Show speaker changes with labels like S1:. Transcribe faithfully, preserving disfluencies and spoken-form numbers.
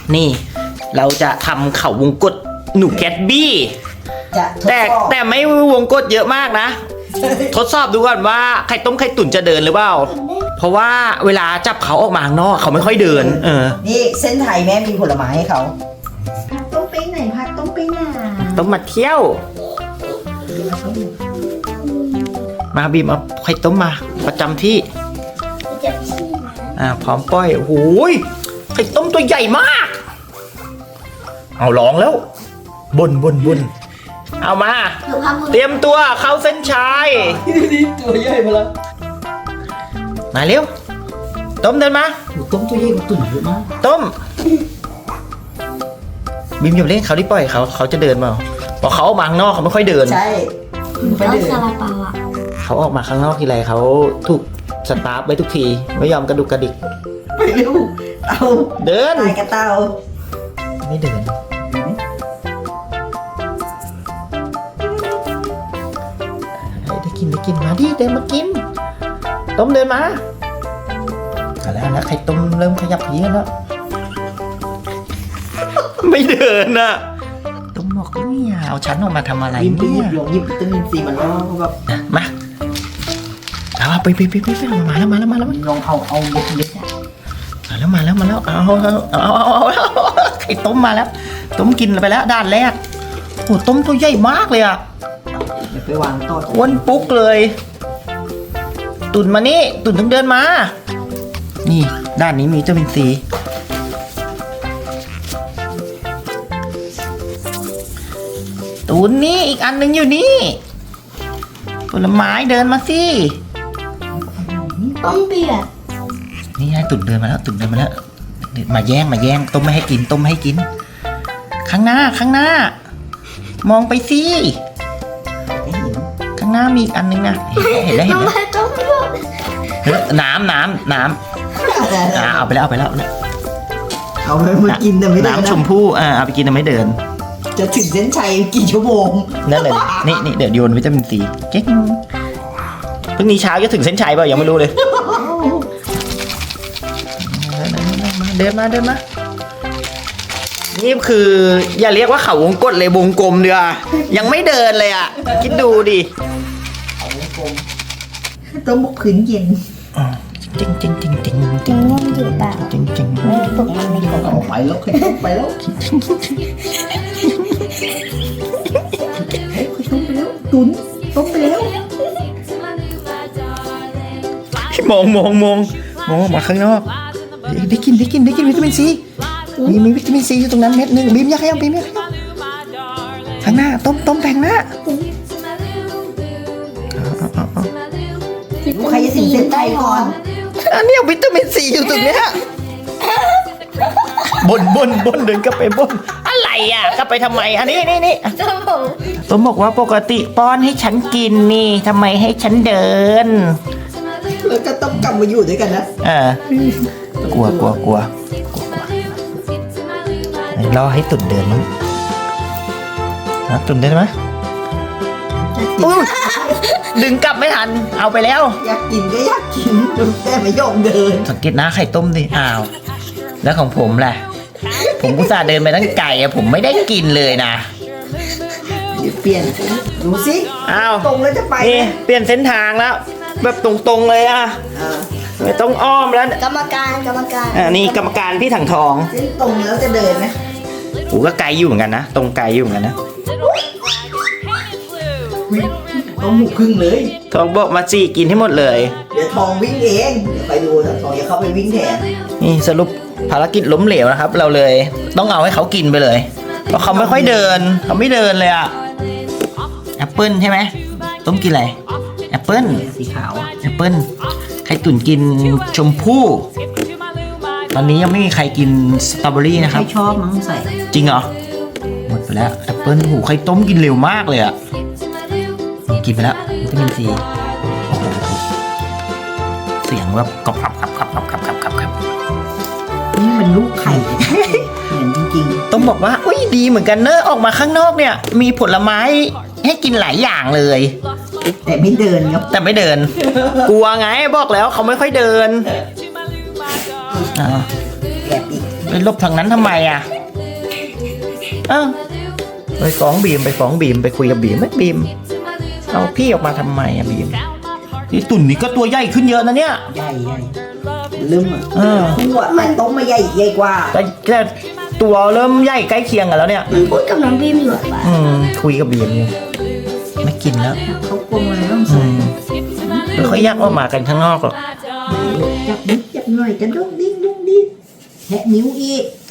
S1: นี่เราจะทำเข่าวงกตหนูแคทบี้แต่แต่ไม่วงกตเยอะมากนะทดสอบดูก่อนว่าไข่ต้มไข่ตุ๋นจะเดินหรือเปล่าเพราะว่าเวลาจับเขาออกมาข้างนอกเขาไม่ค่อยเดินเออ
S2: นี่เส้นไทยแม่มีผลไม้ให้เขา
S3: พัดต้องไปไหนพัดต้องไปไหน
S1: ต้องมาเที่ยวมาบีมเอาไข่ต้มมาประจำที่
S3: จะชี้นะ
S1: อ่าพร้อมป้อยโอ้โหไข่ต้มตัวใหญ่มากเอาลองแล้วบนบนบนเอามาเตรียมตัวเข้าเส้นชัย
S2: นี่ตัวใหญ่มาแล้ว
S1: มาเร็วต้มเดินมา
S2: ต้มตัวใหญ่กว่าตุ่นเยอะมาก
S1: ต้มบีมอย่าเล่นเขาที่ปล่อยเขาเขาจะเดินมาพอเขาออกมาข้างนอกเขาไม่ค่อยเดิน
S2: ใช่ไป
S3: แล้ว
S2: เดิน
S3: ซาลาเปาอ่ะ
S1: เขาออกมาข้างนอกทีไรเขาถูกสตาร์ฟไว้ทุกทีไม่ยอมกระดุกกระดิก
S2: ไปเร็วเอา
S1: เดิน
S2: ตายกระเต่า
S1: ไม่เดินได้กินได้กินมาดิเดินมากินต้มเดินมาเอาแล้วนะไข่ต้มเริ่มขยับเพี้ยนแล้วไม่เดินอ่ะต้มบอกเนี่ยเอาฉันออกมาทำอะไร
S2: ยิ้มไปหยิ
S1: เนี่
S2: บ
S1: ย
S2: ลงหยิบวิตามินซีมาแล้วแบบ
S1: มาเอาไปไปไปไปไปมาแล้วมาแล้วมาแล้ว
S2: ลองเอาเอาเล็กๆ
S1: มาแล้วมาแล้วมาแล้วเอาเอาเอาเอาเอาไข่ต้มมาแล้วต้มกินไปแล้วด้านแรกโอ้ต้มตัวใหญ่มากเลยอ่ะ
S2: เดี๋ยวไปวางต่อ
S1: อ้วนปุ๊กเลย ตุ่นมานี่ตุ่นต้องเดินมานี่ด้านนี้มีวิตามินซีตุ่นนี่อีกอันหนึ่งอยู่นี่ผลไม้เดินมาสิ
S3: ต้มเปียก
S1: นี่ไงตุ่นเดินมาแล้วตุ่นเดินมาแล้วมาแย่งมาแย่งต้มไม่ให้กินต้มไม่ให้กิน ข้างหน้าข้างหน้า มองไปสิข้างหน้ามีอีกอันนึงนะเห็นแล้วเห็น
S3: ทำ
S1: แล้ว
S3: ไมต้มเปียก
S1: เฮ้ยน้ำน้ำน้ำอ่าเอาไปแล้วเอาไปแล้ว
S2: เอาไปมากินแต่ไม่ได้
S1: น้ำชมพู่อ่าเอาไปกินแต่ไม่เดิน
S2: จะถึงเส้นชัยกี่ชั่วโมง
S1: นั่นเลยนี่นี่เดี๋ยวโยนวิตามินซีเจ๊งพรุ่งนี้เช้าจะถึงเส้นชัยเปล่ายังไม่รู้เลยเดินมาเดินมานี่คืออย่าเรียกว่าเขาวงกตเลยวงกลมเดียวยังไม่เดินเลยอ่ะคิดดูดิ
S2: เอาวงกลมต้มบุกขืนเย็น
S1: จริงจริงจริงจริงจริงจริงจริงจริง
S3: ไม่ปลุกมันไม่ปลุก
S2: เอาไปแล้วขึ้นต้มไปแล้วเฮ้ยต้มไปแล้วตุ๋นต้มไปแล้ว
S1: มองมองมองมองออกมาข้างนอกได้กินได้กินได้กินวิตามินซีมีมีวิตามินซีอยู่ตรงนั้นเม็ดหนึ่งบีมอยากให้ยังบีมอยากให้ยังข้างหน้าต้มต้มแปงหน้า
S2: ลูกใครจะถึงเส้นชัยก่อน
S1: อันนี้วิตามินซีอยู่ตรงเนี้ยบนบนบนเดินกลับไปบนอะไรอ่ะกลับไปทำไมอันนี้นี่นี่
S3: ต้มผม
S1: ต้มบอกว่าปกติป้อนให้ฉันกินนี่ทำไมให้ฉันเดิน
S2: แล้วก็ต้องกลับมาอยู่ด้วยกันนะ
S1: เออกลัวกลัวกลัวกลัวรอให้ตุ่นเดินมั้งนะตุ่นเดินไหมอุ๊ยดึงกลับไม่ทันเอาไปแล้ว
S2: อยากกินก็อยากกินแต่ไม่ยอมเดิน
S1: สังเกตนะไข่ต้มดิอ้าวแล้วของผมล่ะผมอุตส่าห์เดินไปตั้งไกลอะผมไม่ได้กินเลยนะ
S2: เดี๋ยวเปลี่ยนดูสิ
S1: อ้าว
S2: ตรงแล้วจะไป
S1: นี่เปลี่ยนเส้นทางแล้ว แบบตรงๆเลยอะ
S2: อ่า
S1: ไม่ต้องอ้อมแล้ว
S3: กรรมการกรรมการ
S1: อ่านี่กรรมการพี่ถังทอง
S2: เส้นตรงแล้วจะเดินไหม
S1: โอ้ก็ไกลอยู่เหมือนกันนะตรงไกลอยู่เหมือนกันนะ
S2: อุ๊ยต้องหุบครึ่งเลย
S1: ทองบอกมาจีกินให้หมดเลย
S2: เดี๋ยวทองวิ่งเองเดี๋ยวไปดูถ้าทองจะเข้าไปวิ่งแทน
S1: นี่สรุปภารกิจล้มเหลวนะครับ เราเลยต้องเอาให้เขากินไปเลยเพราะเขาไม่ค่อยเดินเขาไม่เดินเลยอะแอปเปิ้ลใช่ไหมต้มกินอะไรแอปเปิ้ล
S2: สีขาว
S1: แอปเปิ้ลไข่ตุ๋นกินชมพู่ตอนนี้ยังไม่มีใครกินสตรอเบอรี่นะครับ
S2: ไม่ชอบมั้งใส่
S1: จริงเหรอหมดไปแล้วแอปเปิ้ลหูไข่ต้มกินเร็วมากเลยอะกินไปแล้ววิตามินซีโอ้โหเสียงแบบกรอบกรอบกรอบกรอบกรอบกรอบกรอบกรอบกรอบ
S2: นี่มันลูกไข่เหมือนจริง
S1: ต้องบอกว่าอุ้ยดีเหมือนกันเนอะออกมาข้างนอกเนี่ย มีผลไม้ให้กินหลายอย่างเลย
S2: ๆแต่ไม่เดินครับ
S1: แต่ไม่เดิน กลัวไงบอกแล้วเขาไม่ค่อยเดินอ่า
S2: แอบอีก
S1: ไปลบทางนั้นทำไมอ่ะเอ้าไปฟ้องบีมไปฟ้องบีมไปคุยกับบีมไหมบีมเอาพี่ออกมาทำไมอ่ะบีมที่ตุ่นนี่ก็ตัวใหญ่ขึ้นเยอะนะเนี่ย
S2: ใหญ่ใหญ่ลืมอ่ะ
S1: เออ
S2: ตัวแต่ต้มมาใหญ่ใหญ่กว่า
S1: แต่แต่ตัวเริ่มใหญ่ใกล้เคียงกันแล้วเนี่ย
S3: มันพูดกับน้องบีมอยู่อะ
S1: อืมคุยกับบีมอยู่ไม่กินแล้ว
S2: เขากลงอะไรต้อง
S1: อื
S2: ใส่
S1: มแล้วเขาแยกออกมากันข้างนอกหรอก
S2: จับนิดจับหน่อยจะดุ้งดิ้งดุ้งดิ้งแหะนิ้วอีก